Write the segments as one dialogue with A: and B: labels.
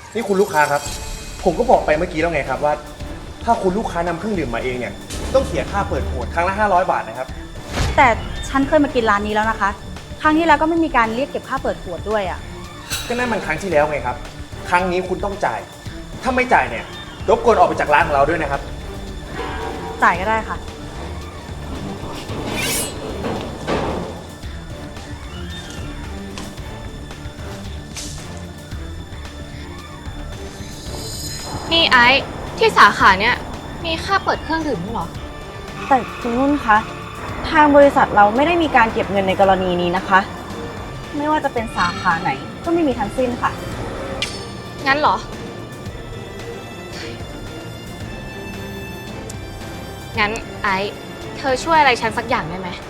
A: นี่คุณลูกค้าครับผมก็บอกไปเมื่อกี้แล้วไงครับว่าถ้าคุณลูกค้านำเครื่องดื่มมาเองเนี่ยต้องเสียค่าเปิดขวดครั้งละ500 บาทนะครับ
B: แต่ฉันเคยมากินร้านนี้แล้วนะคะครั้งที่แล้วก็ไม่มีการเรียกเก็บค่าเปิดขวดด้วยอ่ะ
A: ก็นั่นมันครั้งที่แล้วไงครับครั้งนี้คุณต้องจ่ายถ้าไม่จ่ายเนี่ยรบกวนออกไปจากร้านของเราด้วยนะครับ
B: จ่ายก็ได้ค่ะ
C: นี่ไอซ์ที่สาขาเนี่ยมีค่าเปิดเครื่องดื่มด้วยเหรอ
B: แต่คุณนุ่นคะทางบริษัทเราไม่ได้มีการเก็บเงินในกรณีนี้นะคะไม่ว่าจะเป็นสาขาไหนก็ไม่มีทั้งสิ้นค่ะ
C: งั้นเหรองั้นไอซ์เธอช่วยอะไรฉันสักอย่างได้ไหม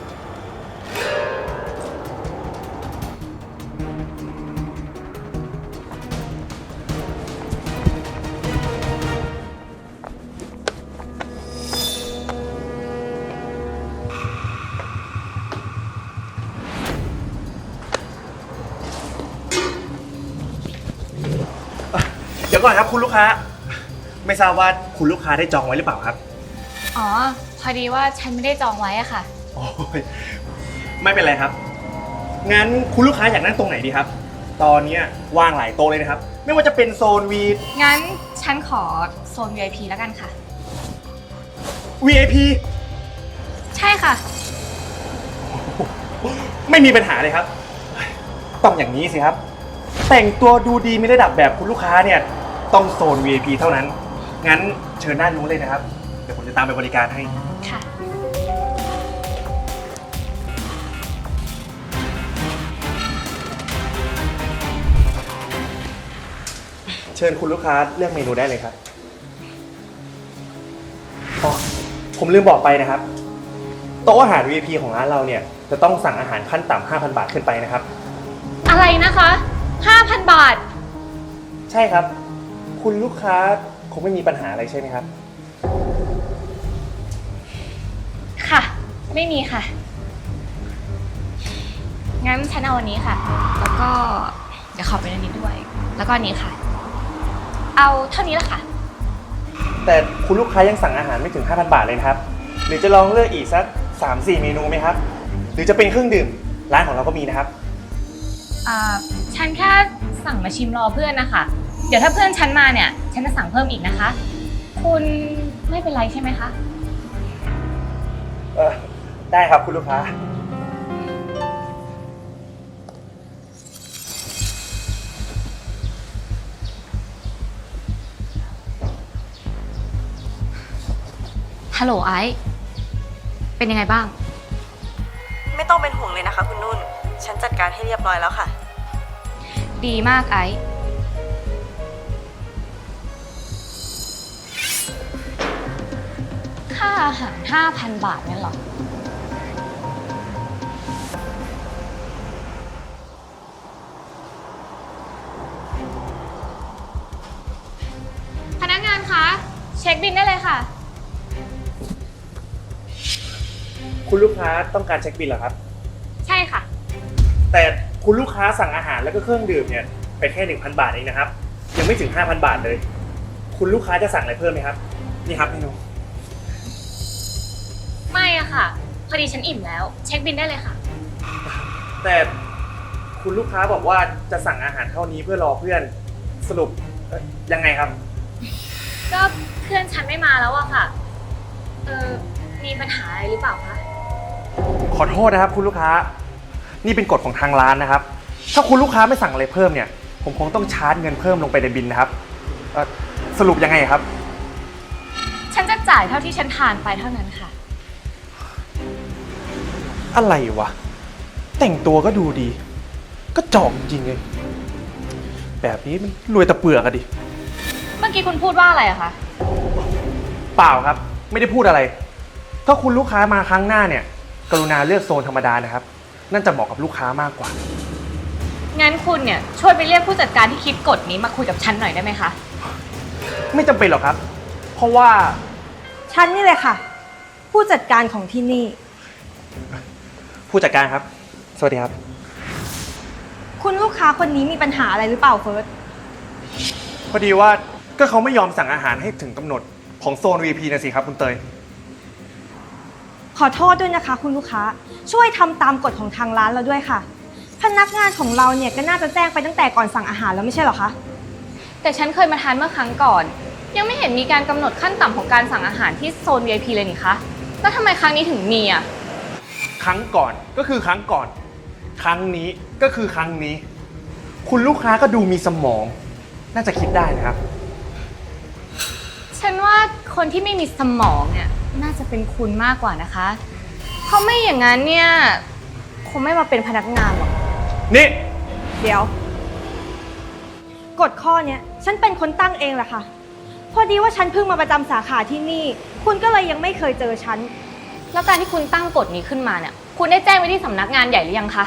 A: เดี๋ยวก่อนครับคุณลูกค้าไม่ทราบว่าคุณลูกค้าได้จองไว้หรือเปล่าครับ
C: อ๋อพอดีว่าฉันไม่ได้จองไว้อะค่ะ
A: โอ้ยไม่เป็นไรครับงั้นคุณลูกค้าอยากนั่งตรงไหนดีครับตอนนี้ว่างหลายโต๊ะเลยนะครับไม่ว่าจะเป็นโซน
C: งั้นฉันขอโซน VIP แล้วกันค่ะ
A: VIP
C: ใช่ค่ะ
A: ไม่มีปัญหาเลยครับต้องอย่างนี้สิครับแต่งตัวดูดีมีระดับแบบคุณลูกค้าเนี่ยต้องโซน VIP เท่านั้นงั้นเชิญด้านนู้นเลยนะครับเดี๋ยวผมจะตามไปบริการให้
C: ค่ะ
A: เชิญคุณลูกค้าเลือกเมนูได้เลยครับอ๋อผมลืมบอกไปนะครับโต๊ะอาหาร VIP ของร้านเราเนี่ยจะต้องสั่งอาหารขั้นต่ำ 5,000 บาทขึ้นไปนะครับ
C: อะไรนะคะ 5,000 บาท
A: ใช่ครับคุณลูกค้าคงไม่มีปัญหาอะไรใช่ไหมครับ
C: ค่ะ ไม่มีค่ะ งั้นฉันเอาอันนี้ค่ะ แล้วก็เดี๋ยวขอเป็นอันนี้ด้วย แล้วก็อันนี้ค่ะ เอาเท่านี้ละค่ะ
A: แต่คุณลูกค้ายังสั่งอาหารไม่ถึง 5,000 บาทเลยนะครับหรือจะลองเลือกอีกสัก 3-4 เมนูไหมครับหรือจะเป็นเครื่องดื่มร้านของเราก็มีนะครับ
C: ฉันแค่สั่งมาชิมรอเพื่อนนะคะ เดี๋ยวถ้าเพื่อนฉันมาเนี่ย ฉันจะสั่งเพิ่มอีกนะคะ คุณไม่เป็นไรใช่ไหมคะ
A: ได้ครับคุณลูกค้า
C: ฮัลโหลไอซ์เป็นยังไงบ้าง
B: ไม่ต้องเป็นห่วงเลยนะคะคุณนุ่นฉันจัดการให้เรียบร้อยแล้วค่ะ
C: ดีมากไอซ์ค่าอาหาร 5,000 บาทนั่นเหรอพนักงานคะเช็คบิลได้เลยค่ะ
A: คุณลูกค้าต้องการเช็คบิลเหรอครับ
C: ใช่ค่ะ
A: แต่คุณลูกค้าสั่งอาหารแล้วก็เครื่องดื่มเนี่ยไปแค่ 1,000 บาทเองนะครับยังไม่ถึง 5,000 บาทเลยคุณลูกค้าจะสั่งอะไรเพิ่มไหมครับนี่ครับเมนู
C: ไม่อะค่ะพอดีฉันอิ่มแล้วเช็คบิลได้เลยค่ะ
A: แต่คุณลูกค้าบอกว่าจะสั่งอาหารเท่านี้เพื่อรอเพื่อนสรุปยังไงครับ
C: ก็เพื่อนฉันไม่มาแล้วอะค่ะมีปัญหาอะไรหรือเปล่าคะ
A: ขอโทษนะครับคุณลูกค้านี่เป็นกฎของทางร้านนะครับถ้าคุณลูกค้าไม่สั่งอะไรเพิ่มเนี่ยผมคงต้องชาร์จเงินเพิ่มลงไปในบิลนะครับสรุปยังไงครับ
C: ฉันจะจ่ายเท่าที่ฉันทานไปเท่านั้นค่ะ
A: อะไรวะแต่งตัวก็ดูดีก็จอกจริงเลยแบบนี้มันรวยตะเปือกอะดิ
C: เมื่อกี้คุณพูดว่าอะไรอะคะ
A: เปล่าครับไม่ได้พูดอะไรถ้าคุณลูกค้ามาครั้งหน้าเนี่ยกรุณาเลือกโซนธรรมดานะครับนั่นจะเหมาะกับลูกค้ามากกว่า
C: งั้นคุณเนี่ยช่วยไปเรียกผู้จัดการที่คิดกฎนี้มาคุยกับฉันหน่อยได้ไหมคะ
A: ไม่จำเป็นหรอกครับเพราะว่า
B: ฉันนี่เลยค่ะผู้จัดการของที่นี่
A: ผู้จัดการครับสวัสดีครับ
B: คุณลูกค้าคนนี้มีปัญหาอะไรหรือเปล่าเฟิร์ส
A: พอดีว่าก็เขาไม่ยอมสั่งอาหารให้ถึงกำหนดของโซน VIP นะสิครับคุณเตย
D: ขอโทษด้วยนะคะคุณลูกค้าช่วยทำตามกฎของทางร้านเราด้วยค่ะ พนักงานของเราเนี่ยก็น่าจะแจ้งไปตั้งแต่ก่อนสั่งอาหารแล้วไม่ใช่เหรอคะ
C: แต่ฉันเคยมาทานเมื่อครั้งก่อน ยังไม่เห็นมีการกำหนดขั้นต่ำของการสั่งอาหารที่โซน VIP เลยนี่คะ แล้วทำไมครั้งนี้ถึงมีอ่ะ
A: ครั้งก่อนก็คือครั้งก่อน ครั้งนี้ก็คือครั้งนี้ คุณลูกค้าก็ดูมีสมอง น่าจะคิดได้นะครับ
C: ฉันว่าคนที่ไม่มีสมองเนี่ยน่าจะเป็นคุณมากกว่านะคะ เพราะไม่อย่างนั้นเนี่ยคงไม่มาเป็นพนักงานหรอก
A: นี่
D: เดี๋ยวกฎข้อเนี้ยฉันเป็นคนตั้งเองแหละค่ะ พอดีว่าฉันเพิ่งมาประจำสาขาที่นี่ คุณก็เลยยังไม่เคยเจอฉัน
C: แล้วการที่คุณตั้งกฎนี้ขึ้นมาเนี่ยคุณได้แจ้งไว้ที่สำนักงานใหญ่หรือยังคะ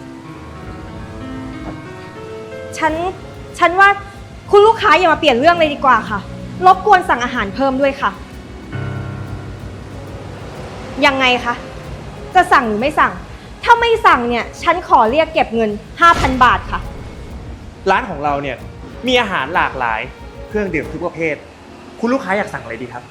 D: ฉันว่าคุณลูกค้าอย่ามาเปลี่ยนเรื่องเลยดีกว่าค่ะ รบกวนสั่งอาหารเพิ่มด้วยค่ะ ยังไงคะ จะสั่งหรือไม่สั่ง ถ้าไม่สั่งเนี่ยฉันขอเรียกเก็บเงิน 5,000 บาทค่ะ
A: ร้านของเราเนี่ยมีอาหารหลากหลาย เครื่องดื่มทุกประเภท คุณลูกค้าอยากสั่งอะไรดีครับ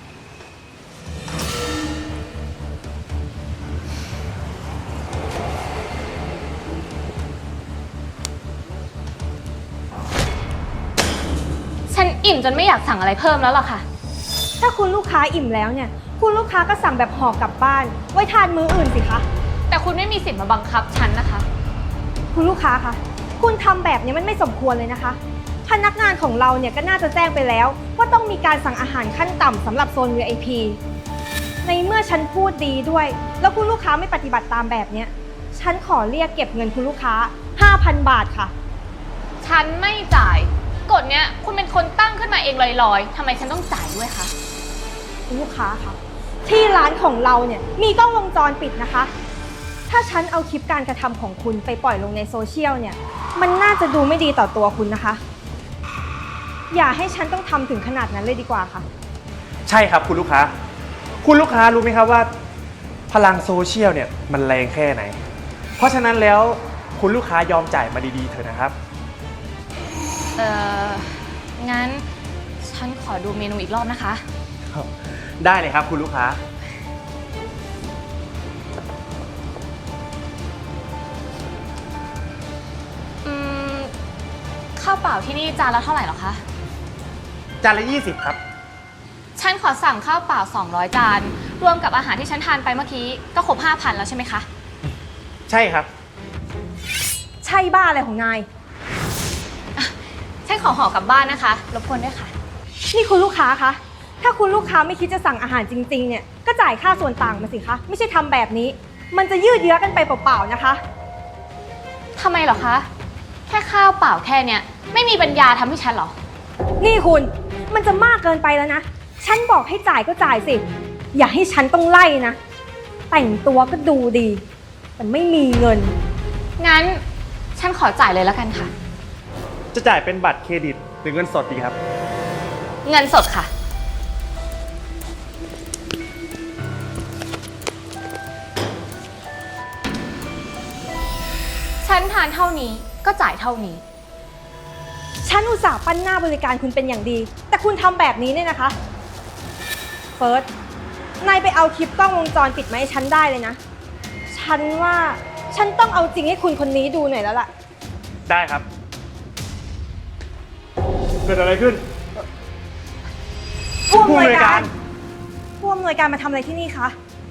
C: ฉันอิ่มจนไม่อยากสั่งอะไรเพิ่มแล้วล่ะค่ะ
D: ถ้าคุณลูกค้าอิ่มแล้วเนี่ย คุณลูกค้าก็สั่งแบบห่อกลับบ้าน ไว้ทานมื้ออื่นสิคะ
C: แต่คุณไม่มีสิทธิ์มาบังคับฉันนะคะ
D: คุณลูกค้าคะคุณทำแบบนี้มันไม่สมควรเลยนะคะ พนักงานของเราเนี่ยก็น่าจะแจ้งไปแล้ว ว่าต้องมีการสั่งอาหารขั้นต่ำสำหรับโซน VIP ในเมื่อฉันพูดดีด้วย แล้วคุณลูกค้าไม่ปฏิบัติตามแบบเนี้ยฉันขอเรียกเก็บเงินคุณลูกค้า 5,000 บาทค่ะ
C: ฉันไม่จ่ายกฎเนี้ยคุณเป็นคนตั้งขึ้นมาเองลอยๆทำไมฉันต้องจ่ายด้วยคะ
D: คุณลูกค้าคะที่ร้านของเราเนี่ยมีกล้องวงจรปิดนะคะ ถ้าฉันเอาคลิปการกระทำของคุณไปปล่อยลงในโซเชียลเนี่ยมันน่าจะดูไม่ดีต่อตัวคุณนะคะ อย่าให้ฉันต้องทำถึงขนาดนั้นเลยดีกว่าค่ะ
A: ใช่ครับคุณลูกค้า คุณลูกค้ารู้ไหมครับว่า พลังโซเชียลเนี่ยมันแรงแค่ไหน เพราะฉะนั้นแล้วคุณลูกค้ายอมจ่ายมาดีๆเถอะนะครับ
C: งั้นฉันขอดูเมนูอีกรอบนะคะ
A: ได้เลยครับคุณลูกค้า
C: ข้าวเปล่าที่นี่จานละเท่าไหร่หรอคะ
A: จานละ20ครับ
C: ฉันขอสั่งข้าวเปล่า200จาน รวมกับอาหารที่ฉันทานไปเมื่อกี้ก็ครบ 5,000 แล้วใช่ไหมคะ
A: ใช่ครับ
D: ใช่บ้าอะไรของนาย
C: ฉันขอห่อกลับบ้านนะคะ รบกวนด้วยค่ะ
D: นี่คุณลูกค้าคะถ้าคุณลูกค้าไม่คิดจะสั่งอาหารจริงๆเนี่ยก็จ่ายค่าส่วนต่างมาสิคะไม่ใช่ทำแบบนี้ มันจะยืดเยื้อกันไปเปล่าๆนะคะ
C: ทำไมเหรอคะ แค่ข้าวเปล่าแค่เนี้ยไม่มีปัญญาทำให้ฉันเหรอ
D: นี่คุณมันจะมากเกินไปแล้วนะฉันบอกให้จ่ายก็จ่ายสิอย่าให้ฉันต้องไล่นะแต่งตัวก็ดูดีแต่ไม่มีเงิน
C: งั้นฉันขอจ่ายเลยแล้วกันค่ะ
A: จะจ่ายเป็นบัตรเครดิตหรือเงินสดดีครับ
C: เงินสดค่ะ ฉันทานเท่านี้ก็จ่ายเท่านี้
D: ฉันอุตส่าห์ปั้นหน้าบริการคุณเป็นอย่างดี แต่คุณทำแบบนี้เนี่ยนะคะเฟิร์สนายไปเอาคลิปกล้องวงจรปิดมาให้ฉันได้เลยนะฉันว่าฉันต้องเอาจริงให้คุณคนนี้ดูหน่อยแล้วล่ะ
A: ได้ครับ เกิดอะไรขึ้น
D: ผู้อำนวยการ
A: ผู้
D: ผู้อำนวยการมาทำอะไรที่นี่คะ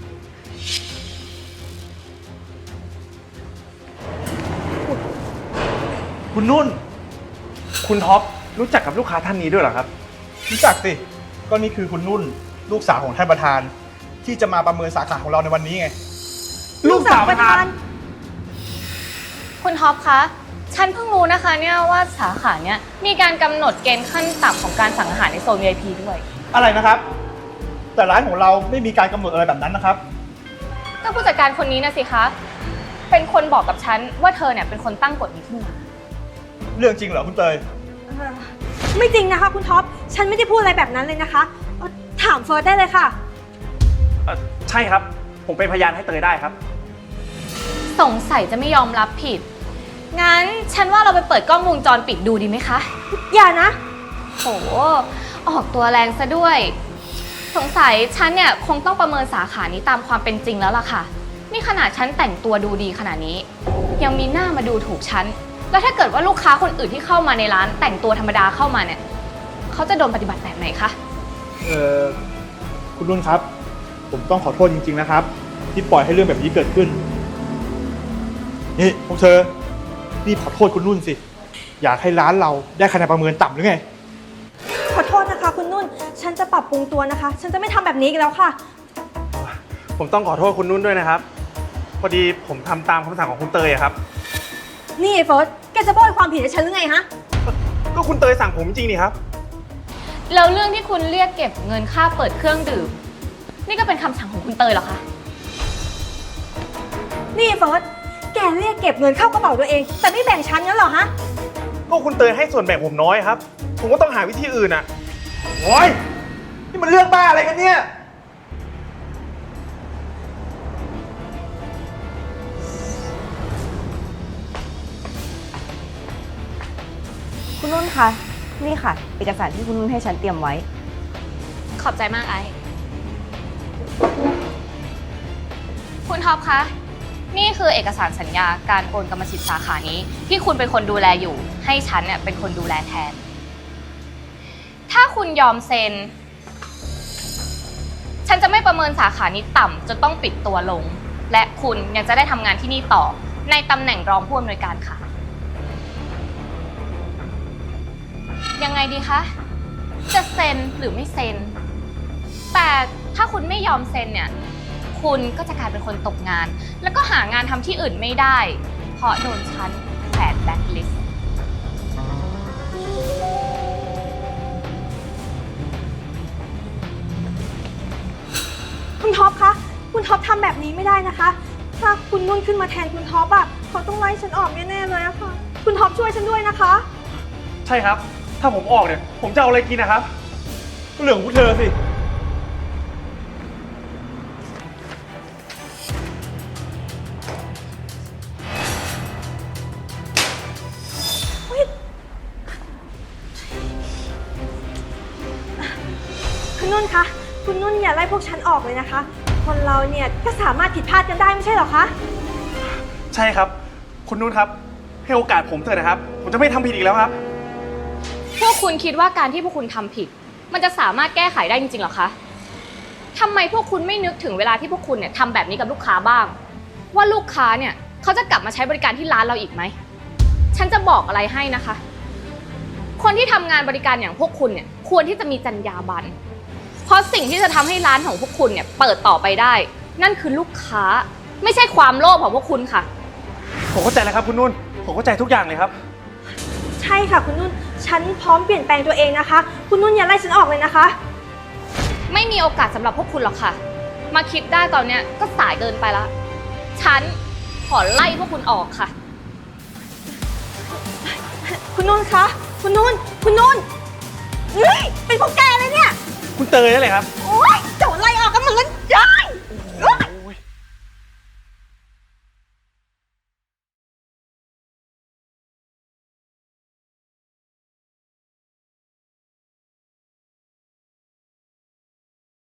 A: คุณนุ่น คุณท็อปรู้จักกับลูกค้าท่านนี้ด้วยเหรอครับ
E: รู้จักสิ ก็นี่คือคุณนุ่น ลูกสาวของท่านประธาน ที่จะมาประเมินสาขาของเราในวันนี้ไง
A: ลูกสาวประธาน
C: คุณท็อปคะ ฉันเพิ่งรู้นะคะเนี่ยว่าสาขาเนี่ยมีการกำหนดเกณฑ์ขั้นต่ำของการสั่งอาหารในโซน VIP ด้วย
E: อะไรนะครับ แต่ร้านของเราไม่มีการกำหนดอะไรแบบนั้นนะครับ
C: ก็ผู้จัดการคนนี้นะสิคะ เป็นคนบอกกับฉันว่าเธอเนี่ยเป็นคนตั้งกฎนี้ขึ้นมา
E: เรื่องจริงเหรอคุณเตย
D: ไม่จริงนะคะคุณท็อปฉันไม่ได้พูดอะไรแบบนั้นเลยนะคะถามเฟิร์สได้เลยค่ะ
A: ใช่ครับ ผมเป็นพยานให้เตยได้ครับ
C: สงสัยจะไม่ยอมรับผิดงั้นฉันว่าเราไปเปิดกล้องวงจรปิดดูดีไหมคะ
D: อย่านะ
C: โห ออกตัวแรงซะด้วย สงสัยฉันเนี่ยคงต้องประเมินสาขานี้ตามความเป็นจริงแล้วล่ะค่ะ นี่ขนาดฉันแต่งตัวดูดีขนาดนี้ ยังมีหน้ามาดูถูกฉัน แล้วถ้าเกิดว่าลูกค้าคนอื่นที่เข้ามาในร้านแต่งตัวธรรมดาเข้ามาเนี่ย เขาจะโดนปฏิบัติแบบไหนคะ
E: คุณนุ่นครับ ผมต้องขอโทษจริงๆนะครับ ที่ปล่อยให้เรื่องแบบนี้เกิดขึ้น นี่พวกเธอรีบขอโทษคุณนุ่นสิ อยากให้ร้านเราได้คะแนนประเมินต่ำหรือไง
D: ขอโทษนะคะคุณนุ่น ฉันจะปรับปรุงตัวนะคะ ฉันจะไม่ทำแบบนี้อีกแล้วค่ะ
A: ผมต้องขอโทษคุณนุ่นด้วยนะครับ พอดีผมทำตามคำสั่งของคุณเตยอะครับ
D: นี่ไอ้เฟิร์ส แกจะโบยความผิดให้ฉันหรือไงฮะ
A: ก็คุณเตยสั่งผมจริงนี่ครับ
C: แล้วเรื่องที่คุณเรียกเก็บเงินค่าเปิดเครื่องดื่ม นี่ก็เป็นคำสั่งของคุณเตยเหรอคะ
D: นี่ไอ้เฟิร์ส แกเรียกเก็บเงินเข้ากระเป๋าตัวเอง แต่ไม่แบ่งฉันงั้นเหรอฮะ
A: ก็คุณเตยให้ส่วนแบ่งผมน้อยครับ ผมก็ต้องหาวิธีอื่นอะ
E: โอ้ยนี่มันเรื่องบ้าอะไรกันเนี่ย
B: คุณนุ่นคะ นี่ค่ะ เอกสารที่คุณนุ่นให้ฉันเตรียมไว้
C: ขอบใจมากไอ้ คุณท็อปคะ นี่คือเอกสารสัญญาการโอนกรรมสิทธิ์สาขานี้ ที่คุณเป็นคนดูแลอยู่ ให้ฉันเนี่ยเป็นคนดูแลแทน ถ้าคุณยอมเซ็น ฉันจะไม่ประเมินสาขานี้ต่ำจนต้องปิดตัวลง และคุณยังจะได้ทำงานที่นี่ต่อในตำแหน่งรองผู้อำนวยการค่ะ ยังไงดีคะ จะเซ็นหรือไม่เซ็น แต่ถ้าคุณไม่ยอมเซ็นเนี่ย คุณก็จะกลายเป็นคนตกงาน แล้วก็หางานทำที่อื่นไม่ได้ เพราะโดนฉันแขวนแบล็คลิสต์
D: คุณท็อปคะ คุณท็อปทำแบบนี้ไม่ได้นะคะ ถ้าคุณนุ่นขึ้นมาแทนคุณท็อปอะเขาต้องไล่ฉันออกแน่ๆเลยอะค่ะ คุณท็อปช่วยฉันด้วยนะคะ
A: ใช่ครับ ถ้าผมออกเนี่ย ผมจะเอาอะไรกินนะครับ
E: ก็เรื่องของพวกเธอสิ
D: คุณนุ่นคะ คุณนุ่นอย่าไล่พวกฉันออกเลยนะคะ คนเราเนี่ยก็สามารถผิดพลาดกันได้ไม่ใช่เหรอคะ
A: ใช่ครับ คุณนุ่นครับ ให้โอกาสผมเถอะนะครับ ผมจะไม่ทำผิดอีกแล้วครับ
C: พวกคุณคิดว่าการที่พวกคุณทำผิด มันจะสามารถแก้ไขได้จริงๆเหรอคะทำไมพวกคุณไม่นึกถึงเวลาที่พวกคุณเนี่ยทำแบบนี้กับลูกค้าบ้าง ว่าลูกค้าเนี่ยเขาจะกลับมาใช้บริการที่ร้านเราอีกไหม ฉันจะบอกอะไรให้นะคะ คนที่ทำงานบริการอย่างพวกคุณเนี่ยควรที่จะมีจรรยาบรรณ เพราะสิ่งที่จะทำให้ร้านของพวกคุณเนี่ยเปิดต่อไปได้ นั่นคือลูกค้า ไม่ใช่ความโลภของพวกคุณค่ะ
A: ผมเข้าใจแล้วครับคุณนุ่น ผมเข้าใจทุกอย่างเลยครับ
D: ใช่ค่ะคุณนุ่น ฉันพร้อมเปลี่ยนแปลงตัวเองนะคะ คุณนุ่นอย่าไล่ฉันออกเลยนะคะ
C: ไม่มีโอกาสสำหรับพวกคุณหรอกค่ะ มาคิดได้ตอนเนี้ยก็สายเกินไปละ ฉันขอไล่พวกคุณออกค่ะ
D: คุณนุ่นคะ คุณนุ่น คุณนุ่นเฮ้ยเป็นพวกแกเลยเนี่ย
A: คุณเตยนั่นแหละครับ
D: โอ๊ยเจ้าไล่ออกกันหมดแล้วจ้า